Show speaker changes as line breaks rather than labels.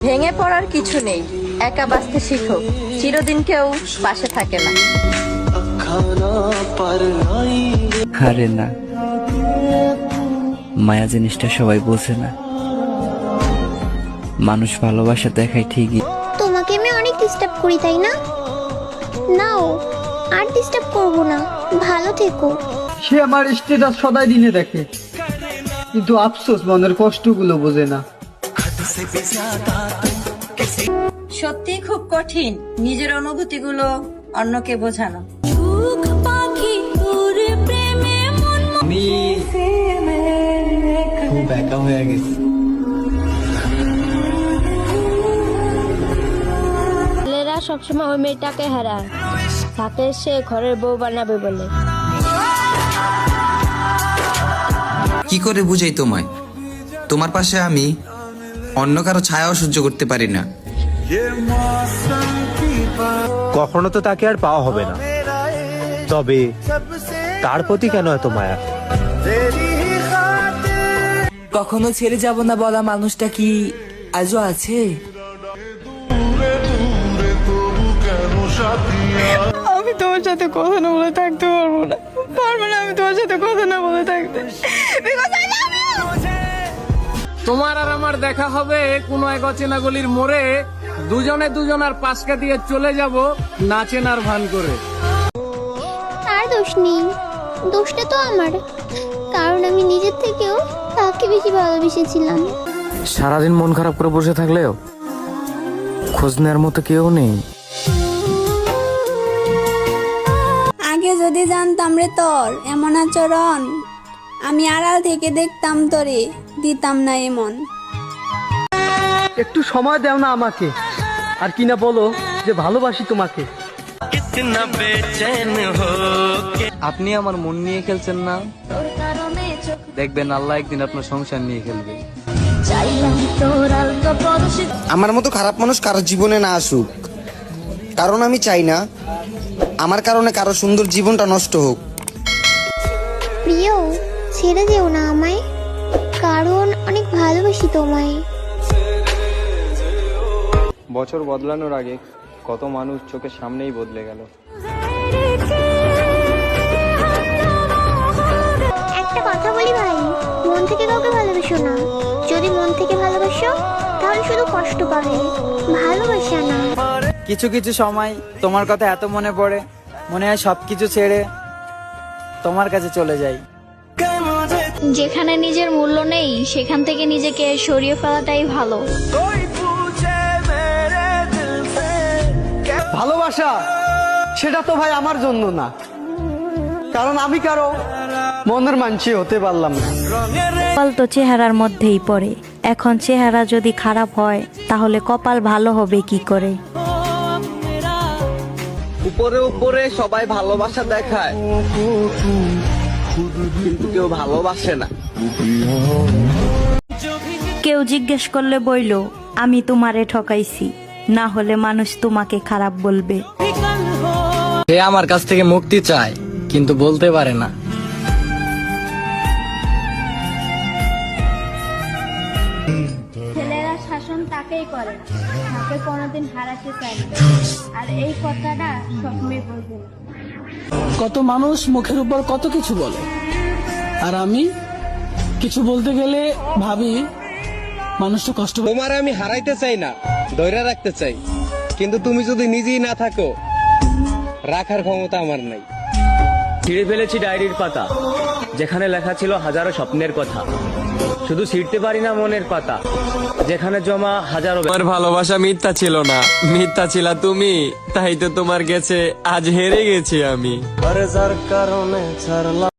ভেঙে পড়ার কিছু নেই, একা বাঁচতে শিখো, চিরদিন কেউ পাশে থাকে না।
আরে না, মায়া জিনিসটা সবাই বোঝে না। মানুষ ভালোবাসা দেখায় ঠিকই।
তোমাকে আমি অনেক ডিস্টার্ব করি তাই না? নাও, আর ডিস্টার্ব করব না, ভালো থেকো।
সে আমার স্ট্যাটাস সদাই দিনে দেখে, কিন্তু আফসোস মনের কষ্টগুলো বোঝে না।
সত্যি খুব কঠিন নিজের অনুভূতিগুলো অন্যকে বোঝানো।
আমি খুব একা হয়ে গেছি।
ছেলেরা সবসময় ওই মেয়েটাকে হারায়, তাকে সে ঘরের বউ বানাবে বলে।
কি করে বুঝাই তোমায়? তোমার পাশে আমি অন্য কারো ছায়াও সহ্য করতে পারি না।
কখনো তো তাকে আর পাওয়া হবে না, তবে তার প্রতি কেন এত মায়া?
কখনো ছেড়ে যাব না বলা মানুষটা কি আজও আছে?
আমি তোমার সাথে কথা না বলে থাকতে পারবো না, আমি তোমার সাথে কথা না বলে থাকতে।
তোমার আর আমার দেখা হবে কোনো এক অচেনা গলির মোড়ে, দুজনে দুজনার পাশকে দিয়ে চলে যাব না চেনার ভান করে।
তার দোষ নেই, দোষটা তো আমার, কারণ আমি নিজের থেকেও তাকে বেশি ভালোবেসেছিলাম।
সারাদিন মন খারাপ করে বসে থাকলেও খোঁজ নেওয়ার মতো কেউ নেই।
আগে যদি জানতাম রে তোর এমন আচরণ, আমি আড়াল থেকে দেখতাম তোরে, দিতাম না এমন।
একটু সময় দাও না আমাকে, আর কিনা বলো যে ভালোবাসি তোমাকে।
আপনি আমার মন নিয়ে খেলছেন না, দেখবেন আল্লাহ একদিন আপনার সংসার নিয়ে খেলবে।
আমার মতো খারাপ মানুষ কারো জীবনে না আসুক, কারণ আমি চাই না আমার কারণে কারো সুন্দর জীবনটা নষ্ট হোক।
প্রিয়, ছেড়ে যেও না আমায়, কারণ অনেক ভালোবাসি তোমায়।
বছর বদলানোর আগে কত মানুষ চোখের সামনেই বদলে গেল।
একটা কথা বলি ভাই, মন থেকে কাউকে ভালোবাসো না। যদি মন থেকে ভালোবাসো তাহলে শুধু কষ্ট পাবে, ভালোবাসা না।
কিছু কিছু সময় তোমার কথা এত মনে পড়ে, মনে হয় সবকিছু ছেড়ে তোমার কাছে চলে যাই।
যেখানে নিজের মূল্য নেই সেখান থেকে নিজেকে সরিয়ে ফেলাটাই ভালো।
ভালোবাসা সেটা তো ভাই আমার জন্য না, কারণ আমি কারো মনের মানসি হতে পারলাম না।
কপাল তো চেহারার মধ্যেই পড়ে, এখন চেহারা যদি খারাপ হয় তাহলে কপাল ভালো হবে কি করে?
উপরে উপরে সবাই ভালোবাসা দেখায়, কিন্তু কেউ ভালোবাসে না।
কেউ জিজ্ঞেস করলে বইলো আমি তোমারে ঠকাইছি, না হলে মানুষ তোমাকে খারাপ বলবে।
সে আমার কাছ থেকে মুক্তি চায় কিন্তু বলতে পারে না।
ছেলেরা শাসন তাকেই করে, তাকে কোনোদিন হারাতে চায় না, আর এই কথাটা সব মেয়ে বলবে না।
কত মানুষ মুখের উপর কত কিছু বলে, আর আমি কিছু বলতে গেলে ভাবি মানুষটা কষ্ট।
তোমার আমি হারাইতে চাই না, ধৈর্য রাখতে চাই, কিন্তু তুমি যদি নিজেই না থাকো, রাখার ক্ষমতা আমার নাই। ছিঁড়ে ফেলেছি ডায়েরির পাতা, যেখানে লেখা ছিল হাজারো স্বপ্নের কথা, শুধু ছিঁড়তে পারি না মনের পাতা, যেখানে জমা হাজারো।
তোমার ভালোবাসা মিথ্যা ছিল না, মিথ্যা ছিল তুমি, তাই তো তোমার কাছে আজ হেরে গেছি আমি।